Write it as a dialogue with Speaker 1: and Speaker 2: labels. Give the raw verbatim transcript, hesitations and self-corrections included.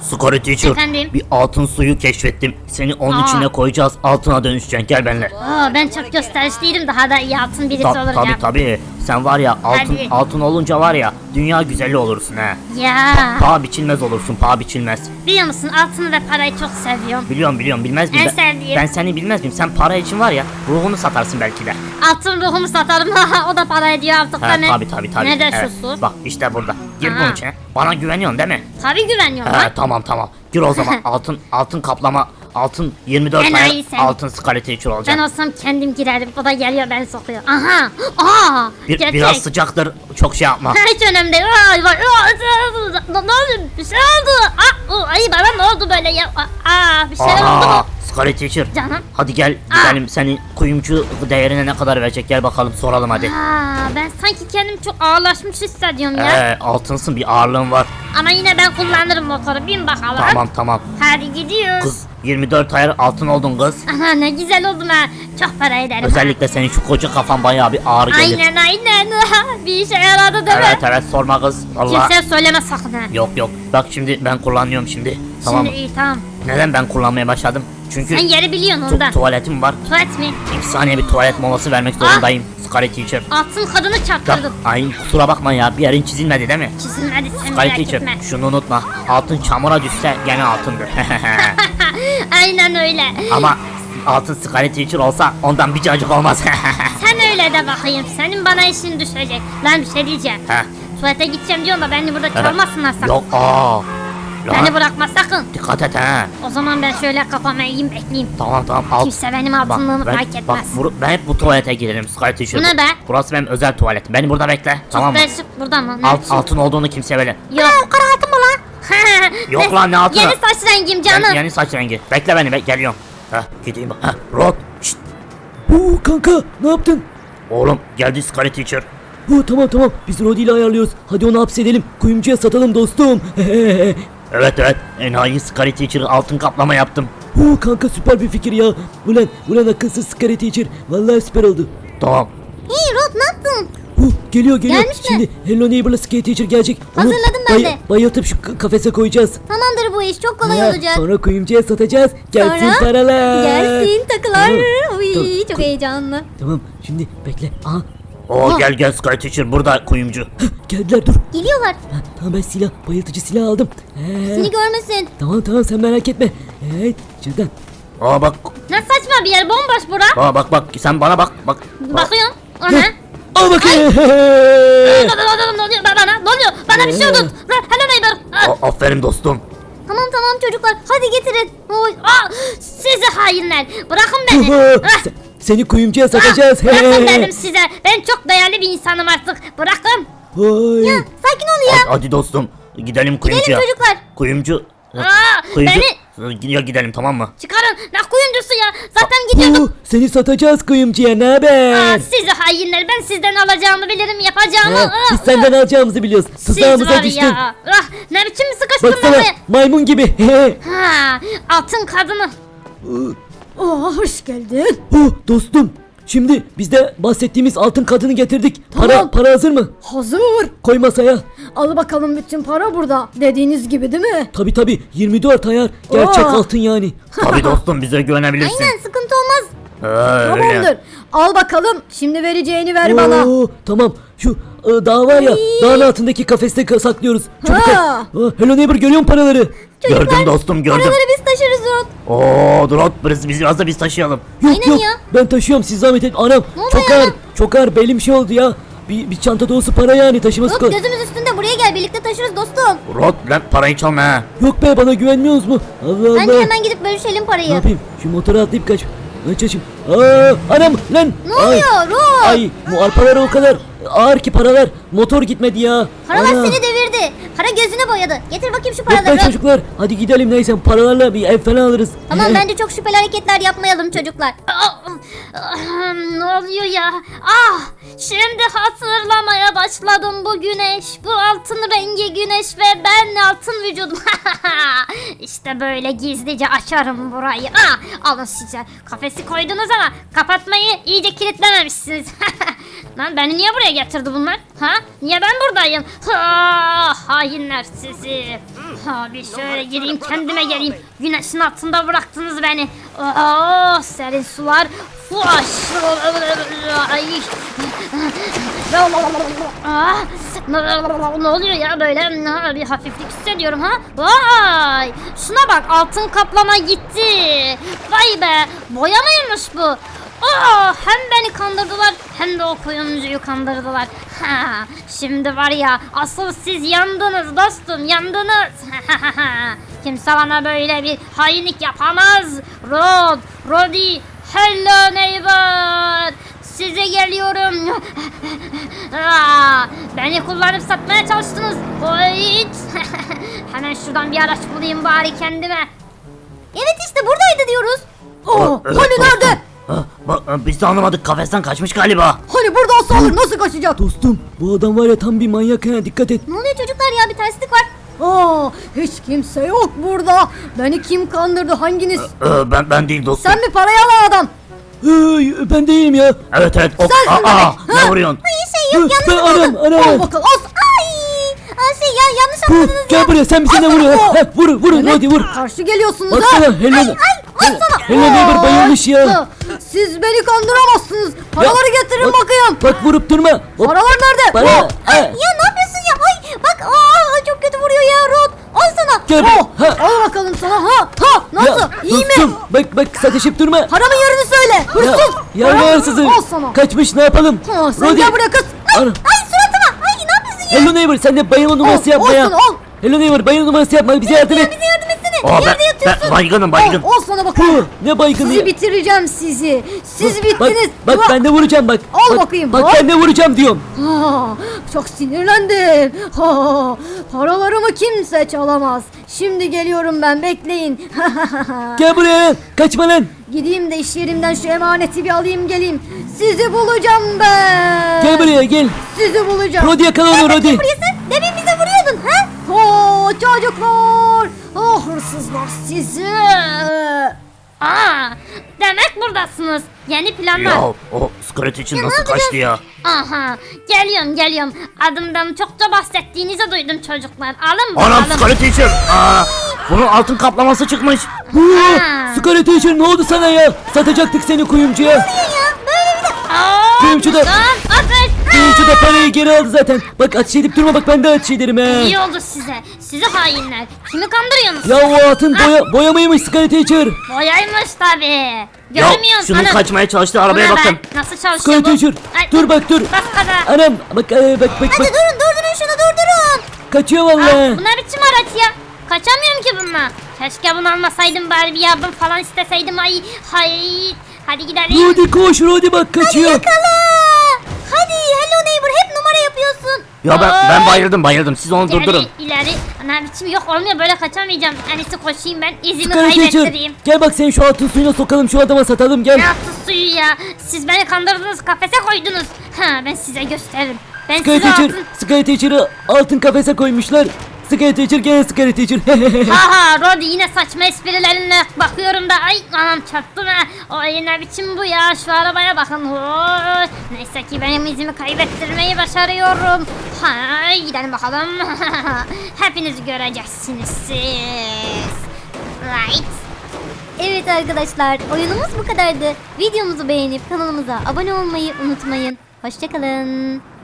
Speaker 1: Scary Teacher,
Speaker 2: Efendim?
Speaker 1: bir altın suyu keşfettim. Seni onun
Speaker 2: Aa.
Speaker 1: içine koyacağız. Altına dönüşeceksin. Gel benimle.
Speaker 2: Oo, ben çok gösterişliydim, daha da iyi altın birisi
Speaker 1: Ta-
Speaker 2: olacağım.
Speaker 1: tabii tabii. Sen var ya altın
Speaker 2: Hadi.
Speaker 1: altın olunca var ya dünya güzeli olursun ha.
Speaker 2: Ya
Speaker 1: Paha biçilmez olursun. Paha biçilmez.
Speaker 2: biliyor musun, altını ve parayı çok seviyorum.
Speaker 1: Biliyorum biliyorum bilmez miyim?
Speaker 2: En
Speaker 1: Ben,
Speaker 2: sevdiğim.
Speaker 1: ben seni bilmez miyim? Sen para için var ya ruhunu satarsın belki de.
Speaker 2: Altın ruhumu satarım, o da para ediyor artık
Speaker 1: Ha,
Speaker 2: da ne?
Speaker 1: tabii tabii tabii.
Speaker 2: Ne de
Speaker 1: Evet.
Speaker 2: şu su?
Speaker 1: Bak işte burada. Gir
Speaker 2: Aha.
Speaker 1: bunun içine. Bana güveniyorsun değil mi?
Speaker 2: Tabii güveniyorum
Speaker 1: He
Speaker 2: lan.
Speaker 1: tamam tamam. Gir o zaman. altın altın kaplama. Altın yirmi dört
Speaker 2: Enayi
Speaker 1: ay
Speaker 2: sen.
Speaker 1: altın Scary Teacher olacak.
Speaker 2: Ben olsam kendim girerim, o da geliyor beni sokuyor. Aha! Aa!
Speaker 1: Bir,
Speaker 2: Gerçek.
Speaker 1: biraz sıcaktır. Çok şey yapma.
Speaker 2: Hiç önemli değil. Ay, vay, ay, ne ne oldu? Bir şey oldu. Aa, o, ay bana ne oldu böyle ya? Aa, bir şeyler oldu
Speaker 1: Aha,
Speaker 2: mu?
Speaker 1: Scary Teacher.
Speaker 2: Canım.
Speaker 1: Hadi gel gidelim. Senin kuyumcu değerine ne kadar verecek? Gel bakalım soralım hadi.
Speaker 2: Aa, ben sanki kendimi çok ağırlaşmış hissediyorum ya.
Speaker 1: Ee, altınsın bir ağırlığın var.
Speaker 2: Ama yine ben kullanırım motoru. Bin bakalım.
Speaker 1: Tamam tamam.
Speaker 2: Hadi gidiyoruz.
Speaker 1: Kız yirmi dört ay altın oldun kız.
Speaker 2: Ana ne güzel oldum ha. Çok para ederim. ha.
Speaker 1: Özellikle senin şu koca kafan bayağı bir ağır gelir.
Speaker 2: Aynen aynen. Bir işe yaradı değil
Speaker 1: Evet
Speaker 2: mi?
Speaker 1: evet sorma kız. Vallahi.
Speaker 2: Kimseye söyleme sakın ha.
Speaker 1: Yok yok. Bak şimdi ben kullanıyorum şimdi. Tamam mı?
Speaker 2: Şimdi iyi tamam.
Speaker 1: Neden ben kullanmaya başladım? Çünkü
Speaker 2: Sen yeri biliyorsun
Speaker 1: tu-
Speaker 2: ondan.
Speaker 1: tuvaletim var.
Speaker 2: Tuvalet mi?
Speaker 1: İki saniye bir tuvalet molası vermek zorundayım. Scary Teacher.
Speaker 2: Altın kadını
Speaker 1: Bak,
Speaker 2: çarptırdın.
Speaker 1: ay kusura bakma ya bir yerin çizilmedi değil mi?
Speaker 2: Çizilmedi sen
Speaker 1: Scary
Speaker 2: merak
Speaker 1: Teacher
Speaker 2: etme.
Speaker 1: şunu unutma. Altın çamura düşse gene altındır.
Speaker 2: Aynen öyle.
Speaker 1: Ama altın Scary Teacher olsa ondan bir cacık olmaz.
Speaker 2: Sen öyle de bakayım. Senin bana işin düşecek. Lan bir şey diyeceğim.
Speaker 1: Heh.
Speaker 2: Tuvalete gideceğim diyorsun da beni burada çalmasınlar sakın.
Speaker 1: Yok aa.
Speaker 2: Beni
Speaker 1: Lan,
Speaker 2: bırakma sakın.
Speaker 1: dikkat et ha.
Speaker 2: O zaman ben şöyle kafama eğeyim bekleyeyim.
Speaker 1: Tamam tamam al.
Speaker 2: Kimse benim altınlığımı
Speaker 1: ben,
Speaker 2: fark
Speaker 1: bak,
Speaker 2: etmez.
Speaker 1: bu- ben hep bu tuvalete girerim Scary Teacher.
Speaker 2: Bu ne be?
Speaker 1: Burası benim özel tuvaletim. Beni burada bekle.
Speaker 2: Çok
Speaker 1: tamam mı?
Speaker 2: değişik burada mı? Ne
Speaker 1: Alt,
Speaker 2: biçim?
Speaker 1: altın olduğunu kimse böyle.
Speaker 2: Yok. Kara altın mı lan?
Speaker 1: Yok lan, ne altını?
Speaker 2: Yeni saç rengim canım.
Speaker 1: Yeni, yeni saç rengi. Bekle beni be geliyorum. Heh gideyim bak. Heh Rod. Şşt.
Speaker 3: Oo kanka ne yaptın?
Speaker 1: Oğlum geldi Scary Teacher.
Speaker 3: Oo, tamam tamam biz Rodi ile ayarlıyoruz. Hadi onu hapsedelim. Kuyumcuya satalım dostum.
Speaker 1: Evet evet. Enayi Scary Teacher altın kaplama yaptım.
Speaker 3: Oo, kanka süper bir fikir ya. Ulan ulan akılsız Scary Teacher. Vallahi süper oldu.
Speaker 1: Tamam.
Speaker 2: İyi Rod ne yaptın?
Speaker 3: Oo, geliyor geliyor.
Speaker 2: Gelmiş mi?
Speaker 3: Şimdi Hello Neighbor'la Scary Teacher gelecek. Onu
Speaker 2: Hazırladım ben de.
Speaker 3: Bayıltıp şu k- kafese koyacağız.
Speaker 2: Tamamdır bu iş çok kolay
Speaker 3: Ha,
Speaker 2: olacak.
Speaker 3: Sonra kuyumcuya satacağız. Gelsin
Speaker 2: Sonra?
Speaker 3: paralar.
Speaker 2: Gelsin takılar.
Speaker 3: Tamam,
Speaker 2: Uy
Speaker 3: tamam.
Speaker 2: çok heyecanlı.
Speaker 3: Tamam şimdi bekle. Aha
Speaker 1: Oo
Speaker 2: Aa.
Speaker 1: gel gel Scary Teacher burada kuyumcu.
Speaker 3: geldiler dur.
Speaker 2: Geliyorlar.
Speaker 3: Ha, tamam ben silah bayıltıcı silah aldım. Ee,
Speaker 2: Seni görmesin.
Speaker 3: tamam tamam sen merak etme. Evet şuradan.
Speaker 1: Aa bak.
Speaker 2: Ne saçma bir yer, bomboş bura.
Speaker 1: Aa bak bak sen bana bak bak.
Speaker 2: Bakıyorum. O ne?
Speaker 3: Al bakayım.
Speaker 2: Ne oluyor bana? Ne oluyor? Bana bir şey oldu. Hello neighbor. Ah,
Speaker 1: A- aferin dostum.
Speaker 2: Tamam tamam çocuklar. Hadi getirin. Oy. Aa, sizi hainler. Bırakın beni. Ah,
Speaker 3: Se- Seni kuyumcuya satacağız.
Speaker 2: Bırakın dedim size. Ben çok değerli bir insanım artık. Bırakın.
Speaker 3: Vay.
Speaker 2: Ya sakin ol ya.
Speaker 1: Hadi, hadi dostum. Gidelim kuyumcuya.
Speaker 2: çocuklar.
Speaker 1: Kuyumcu.
Speaker 2: Aa,
Speaker 1: Kuyumcu.
Speaker 2: beni
Speaker 1: Ya gidelim tamam mı?
Speaker 2: çıkarın. Ne kuyumcusu ya? Zaten gidiyordum.
Speaker 3: Oo, seni satacağız kuyumcuya ne
Speaker 2: Aa,
Speaker 3: haber?
Speaker 2: sizi hainler. Ben sizden alacağımı bilirim. Yapacağımı.
Speaker 3: Ha,
Speaker 2: Ah,
Speaker 3: biz senden alacağımızı biliyoruz.
Speaker 2: Siz
Speaker 3: Tuzağımıza
Speaker 2: var
Speaker 3: düştün.
Speaker 2: ya. Ah, ne biçim sıkıştın
Speaker 3: Baksana
Speaker 2: buraya?
Speaker 3: maymun gibi.
Speaker 2: Ha, altın kadını.
Speaker 4: Oh, hoş geldin.
Speaker 3: Oh, dostum. Şimdi biz de bahsettiğimiz altın kadını getirdik. Para
Speaker 4: Tamam.
Speaker 3: para hazır mı?
Speaker 4: Hazır.
Speaker 3: Koy masaya.
Speaker 4: Al bakalım bütün para burada. Dediğiniz gibi değil mi?
Speaker 3: Tabi tabi yirmi dört ayar. Gerçek
Speaker 4: Oo.
Speaker 3: altın yani.
Speaker 1: Tabii dostum bize güvenebilirsin.
Speaker 2: Aynen sıkıntı olmaz.
Speaker 1: Ee, öyle.
Speaker 4: Tamamdır. Al bakalım. Şimdi vereceğini ver bana.
Speaker 3: Oo, tamam. Şu e, dağ var ya.
Speaker 4: Ay.
Speaker 3: Dağın altındaki kafeste ka- saklıyoruz. Çabuk ol.
Speaker 4: Ha.
Speaker 3: Aa, Hello neighbor görüyor musun paraları?
Speaker 1: Gördüm dostum gördüm.
Speaker 2: Paraları biz taşırız Rod.
Speaker 1: Oo dur biz, biz biraz da biz taşıyalım.
Speaker 3: Yok
Speaker 2: Aynen
Speaker 3: yok.
Speaker 2: ya.
Speaker 3: Ben taşıyorum siz zahmet et. Anam
Speaker 2: Ne oldu
Speaker 3: çok
Speaker 2: ya?
Speaker 3: ağır. Çok ağır. Belim şey oldu ya. Bir, bir çanta dolusu para yani taşıması
Speaker 2: Rod
Speaker 3: kolay.
Speaker 2: gözümüz üstünde, buraya gel, birlikte taşırız dostum.
Speaker 1: Rod lan parayı çalma ha.
Speaker 3: Yok be bana güvenmiyorsunuz mu? Allah
Speaker 2: Bence
Speaker 3: Allah.
Speaker 2: hemen gidip bölüşelim
Speaker 3: Ne
Speaker 2: parayı.
Speaker 3: yapayım? Şu motora atlayıp kaç. Aç açayım. Aa, anam lan.
Speaker 2: Ne
Speaker 3: Ay,
Speaker 2: oluyor Rod?
Speaker 3: Ay bu arpalar o kadar ağır ki paralar. Motor gitmedi ya.
Speaker 2: Paralar
Speaker 3: Ana.
Speaker 2: seni devirdi. Para gözüne boyadı. Getir bakayım şu
Speaker 3: Yok be
Speaker 2: paraları.
Speaker 3: çocuklar. Hadi gidelim neyse paralarla bir ev falan alırız.
Speaker 2: Tamam bence çok şüpheli hareketler yapmayalım çocuklar. Ah, ah, ne oluyor ya? Ah, şimdi hatırlamaya başladım bu güneş. Bu altın rengi güneş ve ben altın vücudum. İşte böyle gizlice açarım burayı. Ah, alın size. Kafesi koydunuz ama kapatmayı iyice kilitlememişsiniz. Lan beni niye buraya getirdi bunlar? Ha? Niye ben buradayım? Ha, hainler sizi. Abi şöyle gireyim kendime geleyim. Güneşin altında bıraktınız beni. Oh, serin sular. Fuş. Ay. Ah, ne oluyor ya böyle? Bir hafiflik hissediyorum ha. Vay. Şuna bak, altın kaplama gitti. Vay be. Boya mıymış bu? Oh, hem beni kandırdılar hem de o kuyumcuyu kandırdılar. Ha, şimdi var ya, asıl siz yandınız dostum, yandınız. Kimse bana böyle bir hainlik yapamaz. Rod, Rodi, hello neighbor. Size geliyorum. Aa, beni kullanıp satmaya çalıştınız. Oy. Hemen şuradan bir araç bulayım bari kendime.
Speaker 4: Evet işte buradaydı diyoruz. Oh,
Speaker 1: Evet,
Speaker 4: hani
Speaker 1: dostum.
Speaker 4: nerede?
Speaker 1: Ha, bak, biz de anlamadık, kafesten kaçmış galiba.
Speaker 4: Hani burada olsa olur, nasıl kaçacak?
Speaker 3: Dostum bu adam var ya tam bir manyak ha, dikkat et.
Speaker 2: Ne oluyor çocuklar ya, bir terslik var.
Speaker 4: Aa, hiç kimse yok burada. Beni kim kandırdı, hanginiz?
Speaker 1: Ee, ben ben değil dostum.
Speaker 4: Sen mi parayı alan adam?
Speaker 3: Hey, ben değilim ya.
Speaker 1: Evet evet. Hop.
Speaker 4: Sensin
Speaker 1: Aa,
Speaker 4: demek.
Speaker 1: ne vuruyorsun?
Speaker 2: Şey yok,
Speaker 3: ben
Speaker 2: yanlış
Speaker 3: anam
Speaker 2: anladın.
Speaker 4: Al
Speaker 3: anam.
Speaker 4: bakalım. As.
Speaker 2: Ay, ay şey ya, yanlış
Speaker 3: Hu,
Speaker 2: anladınız ya.
Speaker 3: gel buraya, sen bize ne vuruyorsun?
Speaker 4: Oh.
Speaker 3: Ha, vur vurun
Speaker 4: Evet,
Speaker 3: hadi vur.
Speaker 4: karşı geliyorsunuz ha.
Speaker 3: Baksana Helena. Helena neighbor bayılmış ya.
Speaker 4: Ha, siz beni kandıramazsınız. Paraları getirin
Speaker 3: bak-
Speaker 4: bakayım.
Speaker 3: Bak vurup durma. Hop,
Speaker 4: Paralar nerede?
Speaker 3: para.
Speaker 4: Oh,
Speaker 3: Ha,
Speaker 2: Ya ne yapıyorsun ya? Ay bak, aa, çok kötü vuruyor ya Rod. Al sana.
Speaker 3: gel buraya.
Speaker 4: oh,
Speaker 3: Ha.
Speaker 4: al bakalım sana. Ha, ha, nasıl?
Speaker 3: Ya,
Speaker 4: İyi mi?
Speaker 3: dostum, bak bak satışıp durma.
Speaker 4: Paramın yerini söyle. Hırsız.
Speaker 3: Ya, ya
Speaker 4: Paramı-
Speaker 3: hırsızı.
Speaker 4: Al sana.
Speaker 3: Kaçmış, ne yapalım?
Speaker 4: Ha, sen
Speaker 3: Rodi.
Speaker 4: gel buraya kız.
Speaker 3: Ana.
Speaker 2: Ay suratıma. Ay ne yapıyorsun ya?
Speaker 3: Hello neighbor, sen de bayılma numarası
Speaker 4: Al,
Speaker 3: yapma ya.
Speaker 4: olsun, al.
Speaker 3: Hello neighbor, bayılma numarası yapma, bize yardım et.
Speaker 2: Bize yardım etsene.
Speaker 1: Aa, ben,
Speaker 2: Yerde yatıyorsun.
Speaker 1: ben baygınım baygın.
Speaker 4: Al, al sana
Speaker 3: Hu,
Speaker 4: bakayım.
Speaker 3: ne baygını
Speaker 4: Sizi
Speaker 3: ya.
Speaker 4: bitireceğim sizi. Siz
Speaker 3: Bak,
Speaker 4: bittiniz.
Speaker 3: Bak,
Speaker 4: Bak-
Speaker 3: ben de vuracağım bak.
Speaker 4: Al
Speaker 3: Bak,
Speaker 4: bakayım,
Speaker 3: Bak
Speaker 4: al.
Speaker 3: ben de vuracağım diyorum.
Speaker 4: Ha, çok sinirlendim. Ha, paralarımı kimse çalamaz. Şimdi geliyorum ben, bekleyin.
Speaker 3: Gel buraya lan. Kaçma lan.
Speaker 4: Gideyim de iş yerimden şu emaneti bir alayım geleyim. Sizi bulacağım ben.
Speaker 3: Gel buraya gel.
Speaker 4: Sizi bulacağım.
Speaker 3: Rodi yakala onu Rodi.
Speaker 2: Burası. Demin bize vuruyordun ha?
Speaker 4: Oo, çocuklar. Oh, hırsızlar sizi.
Speaker 2: Aa, demek buradasınız. Yeni planlar.
Speaker 1: Ya o Scrat için nasıl kaçtı ya?
Speaker 2: Aha, geliyorum geliyorum. Adımdan çokça bahsettiğinizi duydum çocuklar. Alın
Speaker 1: Anam
Speaker 2: bakalım.
Speaker 1: Scrat için. Aa, bunun altın kaplaması çıkmış.
Speaker 3: Hu,
Speaker 2: Ha.
Speaker 3: Scarlet Teacher ne oldu sana ya? Satacaktık seni kuyumcuya.
Speaker 2: Aa,
Speaker 3: Kuyumcu da-
Speaker 2: lan, ateş.
Speaker 3: Kuyumcu da parayı geri aldı zaten. Bak ateş edip durma, bak ben de ateş ederim he.
Speaker 2: İyi oldu size. Sizi hainler. Kimi kandırıyorsunuz?
Speaker 3: Ya o altın boya, boya mıymış Scarlet Teacher?
Speaker 2: Boyaymış tabi.
Speaker 1: Ya
Speaker 2: Görmüyorsun
Speaker 1: şunun
Speaker 2: hanım.
Speaker 1: kaçmaya çalıştığı arabaya
Speaker 2: Buna
Speaker 1: bakın.
Speaker 2: bak, nasıl çalışıyor
Speaker 3: Scarlet
Speaker 2: bu?
Speaker 3: Teacher.
Speaker 2: Ay,
Speaker 3: Dur bak dur.
Speaker 2: Bas gaza.
Speaker 3: Anam bak e, bak bak bak.
Speaker 2: Durun durdurun şunu durdurun.
Speaker 3: Kaçıyor
Speaker 2: Aa,
Speaker 3: vallahi.
Speaker 2: bu ne biçim araç ya? Kaçamıyorum ki bununla. Keşke bunu almasaydım, bari bir yardım falan isteseydim. Ay hay. Hadi gidelim.
Speaker 3: Rodi koş, Rodi bak kaçıyor.
Speaker 2: Yakala. Hadi hello neighbor, hep numara yapıyorsun.
Speaker 1: Ya ben
Speaker 2: Aa,
Speaker 1: ben bayıldım bayıldım. Siz onu
Speaker 2: ileri,
Speaker 1: durdurun.
Speaker 2: ileri. Ana biçim yok, olmuyor, böyle kaçamayacağım. En iyisi koşayım ben, izimi
Speaker 3: Scarlet Teacher
Speaker 2: kaybettireyim.
Speaker 3: gel bak seni şu altın suyuna sokalım, şu adama satalım gel.
Speaker 2: Ne yaptı suyu ya? Siz beni kandırdınız, kafese koydunuz. Ha, ben size gösteririm. Ben
Speaker 3: Scarlet
Speaker 2: size
Speaker 3: Teacher,
Speaker 2: altın...
Speaker 3: Scarlet Teacher'ı altın kafese koymuşlar. Scarlet Teacher gel Scarlet Teacher.
Speaker 2: Aha Rodi, yine saçma esprilerinle bakıyorum da, ay anam çarptım ha. Ay ne biçim bu ya, şu arabaya bakın. Oy, neyse ki benim izimi kaybettirmeyi başarıyorum. Ha, gidelim bakalım. Hepiniz göreceksiniz siz. Right.
Speaker 5: Evet arkadaşlar, oyunumuz bu kadardı. Videomuzu beğenip kanalımıza abone olmayı unutmayın. Hoşçakalın.